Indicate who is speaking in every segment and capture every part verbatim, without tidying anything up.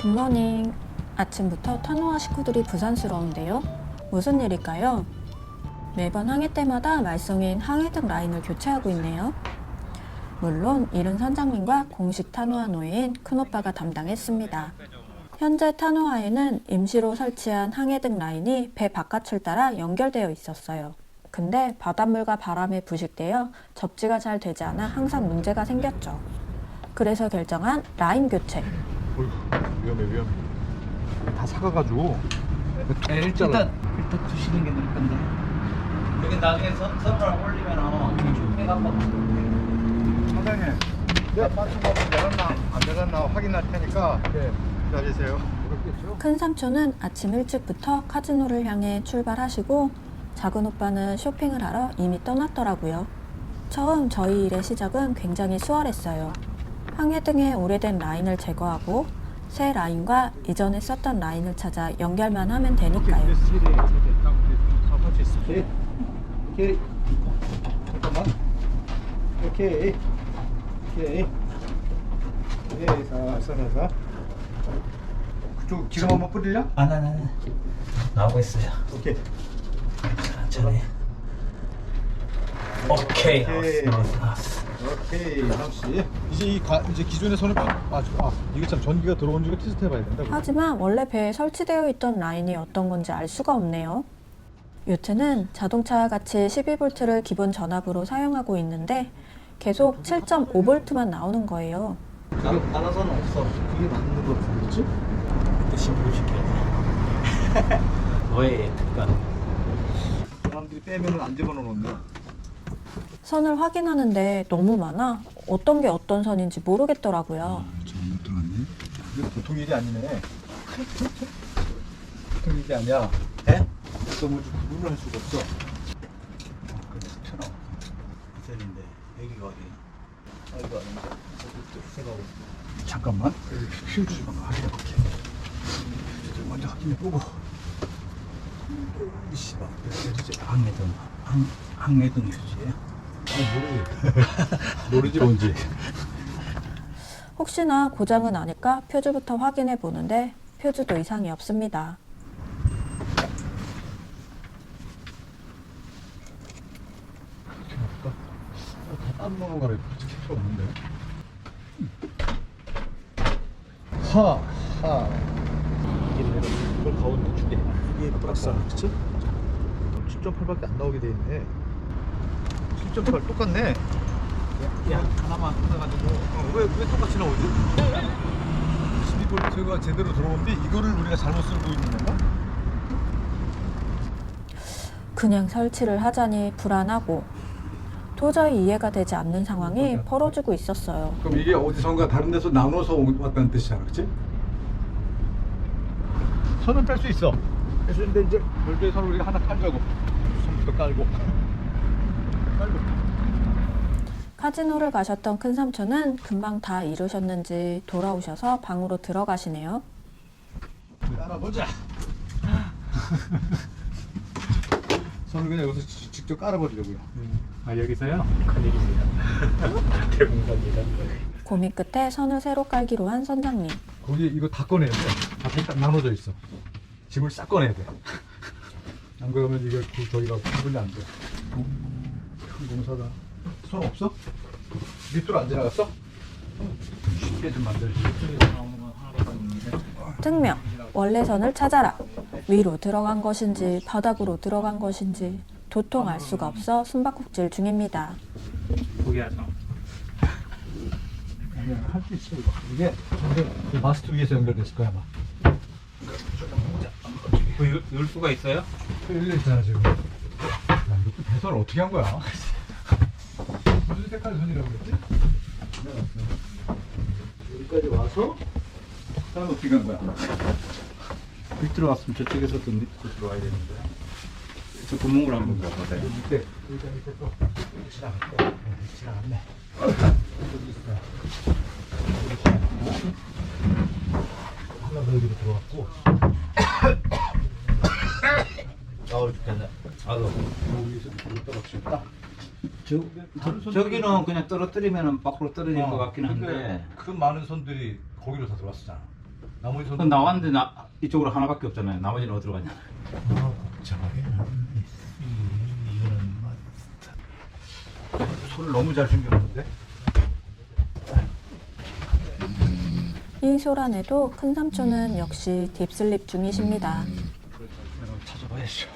Speaker 1: 굿모닝. 아침부터 타노와 식구들이 부산스러운데요. 무슨 일일까요? 매번 항해 때마다 말썽인 항해등 라인을 교체하고 있네요. 물론 이른 선장님과 공식 타노아 노예인 큰오빠가 담당했습니다. 현재 타노아에는 임시로 설치한 항해등 라인이 배 바깥을 따라 연결되어 있었어요. 근데 바닷물과 바람에 부식되어 접지가 잘 되지 않아 항상 문제가 생겼죠. 그래서 결정한 라인 교체.
Speaker 2: 어휴, 위험해 위험해. 다 사가가지고
Speaker 3: 네, 일단 일단 두시는 게 나을 건데. 여기 나중에 선 선을 올리면은 해갖고.
Speaker 2: 사장님, 네, 빠트가 내렸나 안 내렸나 확인할 테니까 네. 기다리세요. 그렇겠죠?
Speaker 1: 큰 삼촌은 아침 일찍부터 카지노를 향해 출발하시고 작은 오빠는 쇼핑을 하러 이미 떠났더라고요. 처음 저희 일의 시작은 굉장히 수월했어요. 항해등의 오래된 라인을 제거하고 새 라인과 이전에 썼던 라인을 찾아 연결만 하면 되니까요.
Speaker 3: 오케이. 오케이. 잠깐만. 오케이. 오케이. 오케이. 살살살살.
Speaker 2: 그쪽 기름 한번 뿌리려?
Speaker 3: 안, 안, 안. 나오고 있어요.
Speaker 2: 오케이.
Speaker 3: 천천히. 오케이.
Speaker 2: 오케이.
Speaker 3: 나왔어, 나왔어.
Speaker 2: 오케이, 잠시. 이제 이 가, 이제 기존의 선을 아, 아 이게 참 전기가 들어온 줄 테스트해봐야 된다.
Speaker 1: 하지만 원래 배에 설치되어 있던 라인이 어떤 건지 알 수가 없네요. 요트는 자동차와 같이 십이 볼트를 기본 전압으로 사용하고 있는데 계속 칠 점 오 볼트만 나오는 거예요.
Speaker 3: 알아서는 없어.
Speaker 2: 그게 맞는 거 같겠지?
Speaker 3: 그때 신고시켜야 돼. 너의 특권.
Speaker 2: 사람들이 빼면은 안 집어넣는데.
Speaker 1: 선을 확인하는데 너무 많아 어떤 게 어떤 선인지 모르겠더라고요.
Speaker 2: 잘못 들었네. 이거 보통 일이 아니네. 보통 일이 아니야.
Speaker 3: 예?
Speaker 2: 또 뭐 구분을 할 수가 없어.
Speaker 3: 천원. 셀인데 여기가 어디? 여기가 어딘데? 생각하고.
Speaker 2: 잠깐만. 휴 좀 확인해볼게. 먼저 확인해보고. 이씨, 막 이제
Speaker 3: 항해등. 항 항해등 휴지에.
Speaker 2: 모르겠다. 모르지 뭔지.
Speaker 1: 혹시나 고장은 아닐까 표주부터 확인해 보는데 표주도 이상이 없습니다.
Speaker 2: 이렇게 할까? 다딴 놈으로 가래. 솔직히 필요 없는데. 하, 하. 이걸 가운데 주게. 이게 박사, 그치? 칠 점 팔밖에 안 나오게 돼 있네. 칠 점 팔 똑같네.
Speaker 3: 야 하나만 뜯어가지고.
Speaker 2: 어, 왜, 왜 똑같이 나오지? 십이 볼트가 제대로 들어오는데 이거를 우리가 잘못 쓰고 있는 건가?
Speaker 1: 그냥 설치를 하자니 불안하고 도저히 이해가 되지 않는 상황이 벌어지고 있었어요.
Speaker 2: 그럼 이게 어디선가 다른 데서 나눠서 왔다는 뜻이잖아, 그렇지? 선은 뺄 수 있어. 뺄 수 있는데 이제 별도의 선을 우리가 하나 깔자고. 선부터 깔고. 깔고.
Speaker 1: 카지노를 가셨던 큰 삼촌은 금방 다 이루셨는지 돌아오셔서 방으로 들어가시네요.
Speaker 2: 깔아보자. 선을 그냥 여기서 지- 직접 깔아버리려고요.
Speaker 3: 아 여기서요? 큰일입니다. 대공사입니다.
Speaker 1: 고민 끝에 선을 새로 깔기로 한 선장님.
Speaker 2: 거기 이거 다 꺼내야 돼. 다 딱 나눠져 있어. 짐을 싹 꺼내야 돼. 안 그러면 이게 그 저기가 구분이 안 돼. 큰 공사가. 손 없어? 밑으로 안 지나갔어? 쉽게 좀 만들지.
Speaker 1: 특명, 원래 선을 찾아라. 위로 들어간 것인지 바닥으로 들어간 것인지 도통 알 수가 없어 숨바꼭질 중입니다.
Speaker 3: 포기하죠.
Speaker 2: 아니야, 할 수 있어. 이거. 이게 전부 그 마스터 위에서 연결됐을 거야, 아마.
Speaker 3: 그 열, 열 수가 있어요?
Speaker 2: 열려 있잖아, 지금. 야, 이것도 배선을 어떻게 한 거야? 무슨 색깔 선이라고 그랬지? 여기까지 와서 그다음에 어떻게 한 거야?
Speaker 3: 밑으로 왔으면 저쪽에서 또 밑으로 들어와야 되는데. 저 구멍을 한번 봐보세요.
Speaker 2: 밑에, 여기다 밑에 또 지나갔고, 네, 지나갔네. 여기 있어. 여기 지나갔고. 하나 더 여기로 들어왔고.
Speaker 3: 아우 죽겠네. 아우.
Speaker 2: 여기서 밑으로 떨어졌다.
Speaker 3: 저, 저, 저기는 그냥 떨어뜨리면 밖으로 떨어질 것 같긴 한데.
Speaker 2: 그 많은 선들이 거기로 다 들어왔었잖아. 나머지 손.
Speaker 3: 그건 나왔는데 나 이쪽으로 하나밖에 없잖아요. 나머지는 어디로 갔냐?
Speaker 2: 아, 복잡하게. 이거는 막 손을 너무 잘 숨겨놓는데.
Speaker 1: 이 소란에도 큰 삼촌은 역시 딥슬립 중이십니다.
Speaker 2: 찾아봐야죠.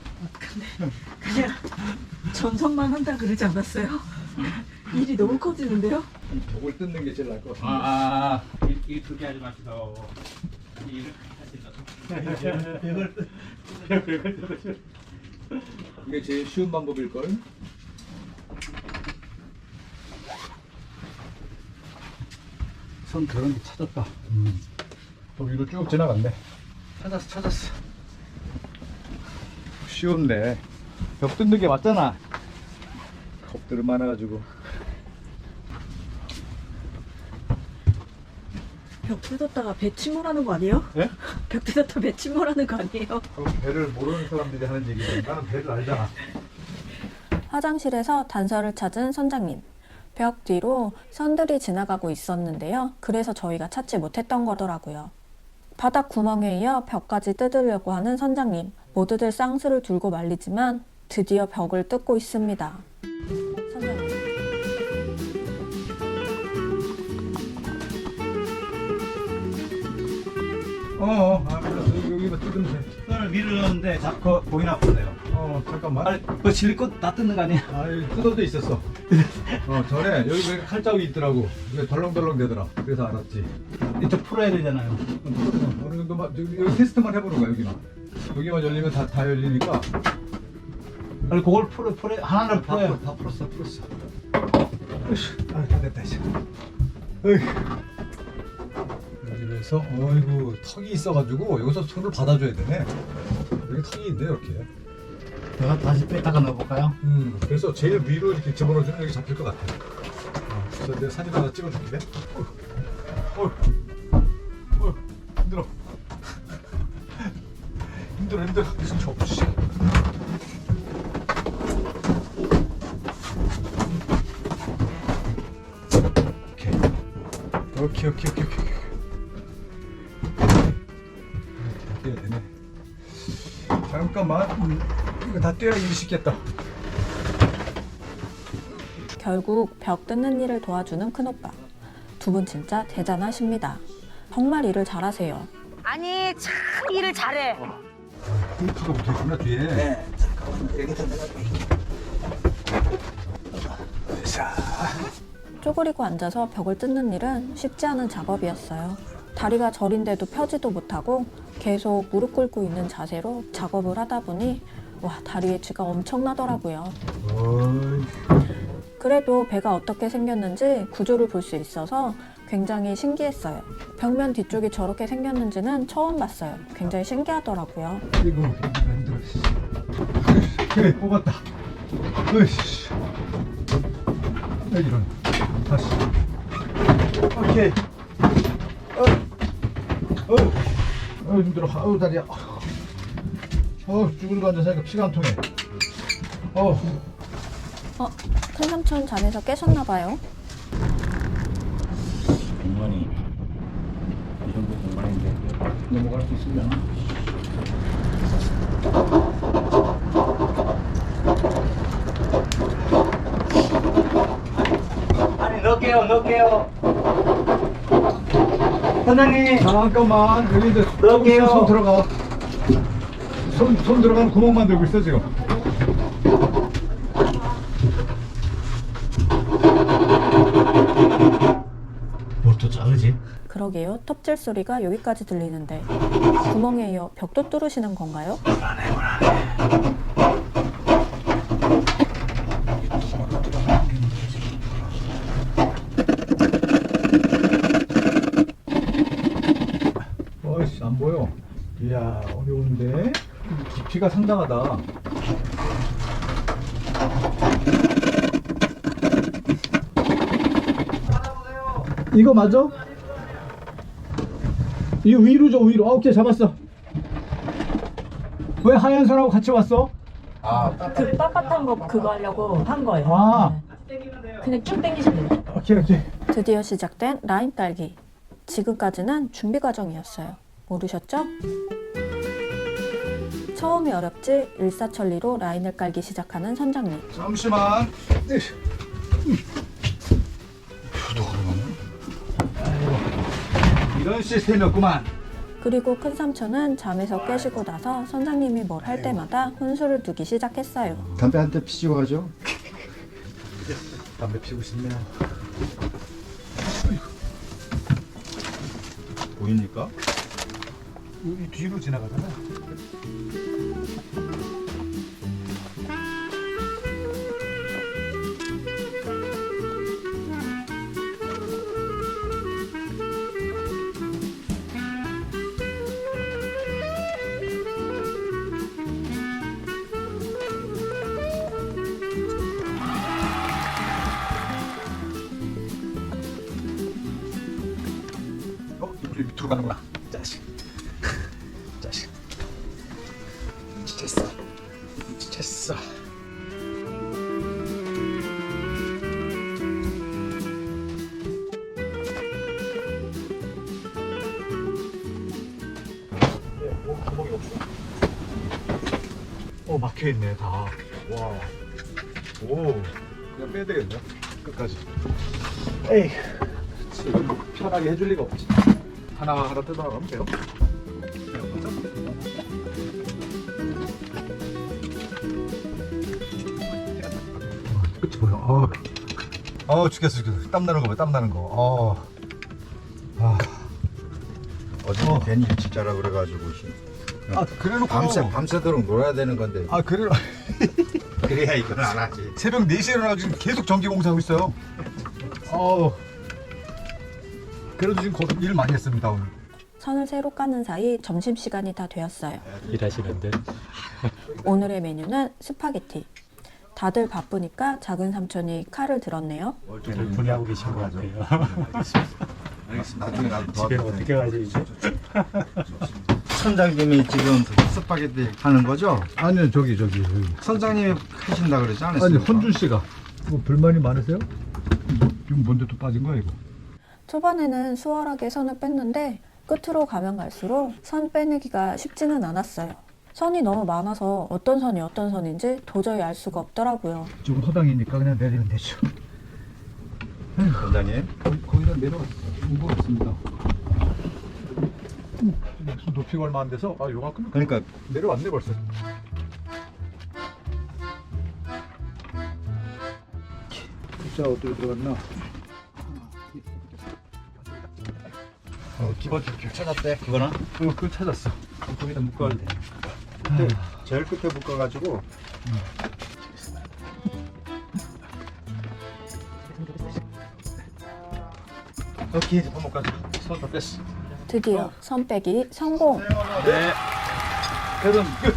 Speaker 4: 그냥 전선만 한다 그러지 않았어요? 일이 너무 커지는데요?
Speaker 2: 이 벽을 뜯는 게 제일 나을 것 같아요.
Speaker 3: 아, 아, 이, 이 그게 하지 마시고 일을 하신다.
Speaker 2: 벽을 벽을 뜯으셔. 이게 제일 쉬운 방법일 걸. 손 그런 게 찾았다. 음. 또 위로 쭉 지나갔네. 찾았어, 찾았어. 쉬운데 벽 뜯는 게 맞잖아. 겁들은 많아가지고.
Speaker 4: 벽 뜯었다가 배 침몰하는 거 아니에요?
Speaker 2: 예?
Speaker 4: 벽 뜯었다가 배 침몰하는 거 아니에요?
Speaker 2: 그럼 배를 모르는 사람들이 하는 얘기지. 나는 배를 알잖아.
Speaker 1: 화장실에서 단서를 찾은 선장님. 벽 뒤로 선들이 지나가고 있었는데요. 그래서 저희가 찾지 못했던 거더라고요. 바닥 구멍에 이어 벽까지 뜯으려고 하는 선장님. 모두들 쌍수를 들고 말리지만 드디어 벽을 뜯고 있습니다. 선장님.
Speaker 2: 어어, 아, 알았어. 여기만 뜯으면 돼.
Speaker 3: 손을 밀었는데 자꾸 보이나 보네요.
Speaker 2: 어, 잠깐만.
Speaker 3: 아니, 그 실컷 다 뜯는 거 아니야?
Speaker 2: 아, 여기 뜯어져 있었어. 어, 전에 여기 왜 칼자국이 있더라고. 이게 덜렁덜렁 되더라. 그래서 알았지.
Speaker 3: 이쪽 풀어야 되잖아요.
Speaker 2: 어, 어느 정도만, 여기, 여기 테스트만 해보는 거야, 여기만. 여기만 열리면 다, 다 열리니까.
Speaker 3: 아니, 그걸 풀어, 풀어, 하나를
Speaker 2: 다,
Speaker 3: 풀어요.
Speaker 2: 풀- 다 풀었어, 풀었어. 으쌰, 아, 다 됐다, 이제. 어이. 여기에서, 어이구, 턱이 있어가지고, 여기서 손을 받아줘야 되네. 여기 턱이 있네, 이렇게.
Speaker 3: 내가 다시 뺐다가 넣어볼까요?
Speaker 2: 음, 그래서 제일 위로 이렇게 집어넣어주면 여기 잡힐 것 같아. 어, 그래서 내가 사진 하나 찍어줄게. 어, 어, 어, 힘들어. 힘들어, 힘들어. 무슨 접시. 오케이, 오케이, 오케이, 오케이, 오케이. 다 떼야 되네. 잠깐만. 음, 이거 다 떼야 일이 쉽겠다.
Speaker 1: 결국 벽 뜯는 일을 도와주는 큰오빠. 두 분 진짜 대단하십니다. 정말 일을 잘하세요.
Speaker 5: 아니 참 일을 잘해.
Speaker 2: 테이프가 붙어있구나, 뒤에.
Speaker 3: 네. 잠깐만, 여기다 내가
Speaker 2: 자.
Speaker 1: 쪼그리고 앉아서 벽을 뜯는 일은 쉽지 않은 작업이었어요. 다리가 저린데도 펴지도 못하고 계속 무릎 꿇고 있는 자세로 작업을 하다 보니 와, 다리에 쥐가 엄청나더라고요.
Speaker 2: 어이.
Speaker 1: 그래도 배가 어떻게 생겼는지 구조를 볼 수 있어서 굉장히 신기했어요. 벽면 뒤쪽이 저렇게 생겼는지는 처음 봤어요. 굉장히 신기하더라고요.
Speaker 2: 이거 힘들어. 그래, 뽑았다. 으이씨. 아, 이런. 다시. 오케이. 어. 어. 어, 힘들어. 아우, 다리야. 어, 쭈그리고 앉아서 피가 안 통해. 어.
Speaker 1: 어, 큰 삼촌 잠에서 깨셨나봐요.
Speaker 3: 공간이 이 정도 공간인데 넘어갈 수 있으려나? 아니 넣을게요 넣을게요 선장님.
Speaker 2: 잠깐만. 여기 이제
Speaker 3: 넣을게요.
Speaker 2: 손 들어가. 손, 손 들어가는 구멍 만들고 있어, 지금.
Speaker 3: 뭘 또 자르지?
Speaker 1: 그러게요. 톱질 소리가 여기까지 들리는데 구멍에 이어 벽도 뚫으시는 건가요?
Speaker 2: 어이씨, 안 보여. 이야, 어려운데? 깊이가 상당하다. 이거 맞아? 이거 위로 줘, 위로. 아, 오케이, 잡았어. 왜 하얀 선하고 같이 왔어?
Speaker 3: 아
Speaker 4: 그 빳빳한 거 그거 하려고 한 거예요.
Speaker 2: 아,
Speaker 4: 네. 그냥 쭉 당기시면 돼요.
Speaker 2: 오케이, 오케이.
Speaker 1: 드디어 시작된 라인 딸기. 지금까지는 준비 과정이었어요. 모르셨죠? 처음이 어렵지 일사천리로 라인을 깔기 시작하는 선장님.
Speaker 2: 잠시만. 네. 또 그러네. 이런 시스템이었구만.
Speaker 1: 그리고 큰 삼촌은 잠에서 깨시고 나서 선장님이 뭘 할 때마다 혼수를 두기 시작했어요.
Speaker 6: 담배 한 대 피시고 가죠.
Speaker 2: 담배 피우고 싶네요.
Speaker 6: 보입니까?
Speaker 2: 이 뒤로 지나가잖아. 어, 이쪽 밑으로 가는구나. 자식. 자식. 지쳤어. 지쳤어. 네, 뭐 구멍이 없어. 어, 막혀 있네 다. 와. 오. 그냥 빼야 되겠네요. 끝까지. 에이. 지금 뭐 편하게 해줄 리가 없지. 하나 하나 뜯어 나가면 돼요. 끝이 보여. 어, 어 죽겠어, 죽겠어. 땀 나는 거 봐, 땀 나는 거. 어, 아,
Speaker 6: 어제
Speaker 2: 어.
Speaker 6: 괜히 일찍 자라 그래가지고
Speaker 2: 아 그래놓고
Speaker 6: 밤새 밤새도록 놀아야 되는 건데
Speaker 2: 아 그래.
Speaker 6: 그래야 이건 안 하지.
Speaker 2: 새벽 네 시에 일어나서 지금 계속 전기 공사하고 있어요. 어, 그래도 지금 거- 일 많이 했습니다 오늘.
Speaker 1: 선을 새로 까는 사이 점심시간이 다 되었어요.
Speaker 7: 일하시는데
Speaker 1: 오늘의 메뉴는 스파게티. 다들 바쁘니까 작은 삼촌이 칼을 들었네요.
Speaker 7: 분해하고 계신 것 같아요.
Speaker 6: 나중에 나도
Speaker 7: 집에
Speaker 6: 도와드릴게요.
Speaker 7: 어떻게 가지 이제?
Speaker 6: 선장님이 지금 스파게티 하는 거죠?
Speaker 2: 아니요 저기 저기 저기.
Speaker 6: 선장님이 하신다 그러지
Speaker 2: 아니
Speaker 6: 않았습니까?
Speaker 2: 헌준 씨가 뭐 불만이 많으세요? 이거 뭔데 또 빠진 거야 이거?
Speaker 1: 초반에는 수월하게 선을 뺐는데 끝으로 가면 갈수록 선 빼내기가 쉽지는 않았어요. 선이 너무 많아서 어떤 선이 어떤 선인지 도저히 알 수가 없더라고요.
Speaker 2: 좀 허당이니까 그냥 내리면 되죠.
Speaker 6: 선장님
Speaker 2: 거의, 거의 다 내려온 것 같습니다. 음, 손 높이가 얼마 안 돼서 아 요만큼
Speaker 6: 그러니까
Speaker 2: 내려왔네 벌써. 자 어떻게 들어갔나?
Speaker 6: 어, 기본 줄 찾았대. 그거는
Speaker 2: 어, 그거 찾았어. 거기다 묶어야 돼.
Speaker 6: 그때 제일 끝에 묶어가지고
Speaker 2: 여기 한번 가자. 손 다 뺐어.
Speaker 1: 드디어 선 빼기 성공!
Speaker 2: 네. 계산 끝.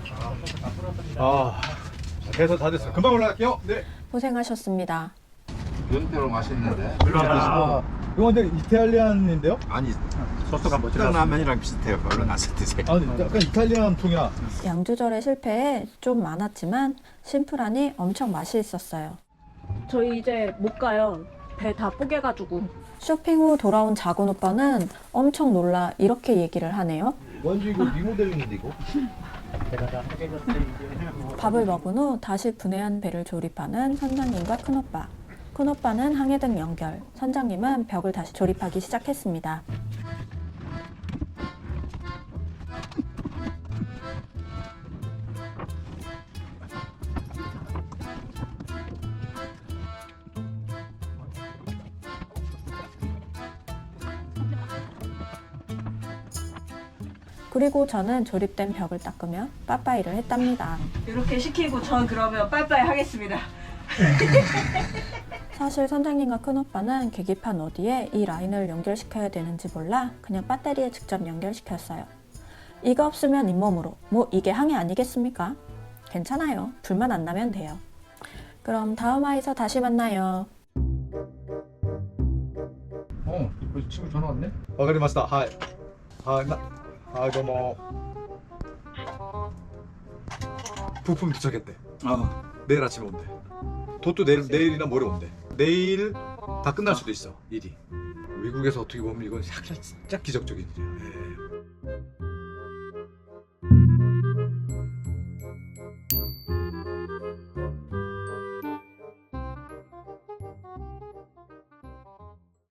Speaker 2: 아, 자, 계산 다 됐어요. 금방 올라갈게요. 네.
Speaker 1: 고생하셨습니다.
Speaker 6: 연태로 맛있는데.
Speaker 2: 아, 이거 근데 이탈리안인데요?
Speaker 6: 아니
Speaker 7: 소스가 뭐
Speaker 6: 딱 라면이랑 비슷해요. 얼른 가서 드세요.
Speaker 2: 아니, 약간 이탈리안 통이야.
Speaker 1: 양 조절의 실패에 좀 많았지만 심플하니 엄청 맛이 있었어요.
Speaker 4: 저희 이제 못 가요. 배 다 뽀개가지고.
Speaker 1: 쇼핑 후 돌아온 작은 오빠는 엄청 놀라 이렇게 얘기를 하네요.
Speaker 6: 완전 이거 리모델링인데 이거?
Speaker 7: 제가 다 하게 됐을 이제
Speaker 1: 밥을 먹은 후 다시 분해한 배를 조립하는 선장님과 큰오빠. 큰오빠는 항해등 연결, 선장님은 벽을 다시 조립하기 시작했습니다. 그리고 저는 조립된 벽을 닦으며 빠빠이를 했답니다.
Speaker 4: 이렇게 시키고 전 그러면 빠이빠이 하겠습니다.
Speaker 1: 사실 선장님과 큰오빠는 계기판 어디에 이 라인을 연결시켜야 되는지 몰라 그냥 배터리에 직접 연결시켰어요. 이거 없으면 잇몸으로. 뭐 이게 항해 아니겠습니까? 괜찮아요. 불만 안 나면 돼요. 그럼 다음 화에서 다시 만나요.
Speaker 2: 어, 벌써 친구 전화 왔네? 아, 그래, 마스터. 하이. 아, 나, 아, 이거 뭐. 부품 도착했대. 어, 내일 아침에 온대. 도또 내일, 내일이나 모레 온대. 내일 다 끝날 수도 있어 일이. 미국에서 어떻게 보면 이건 진짜 기적적인 일이야. 예.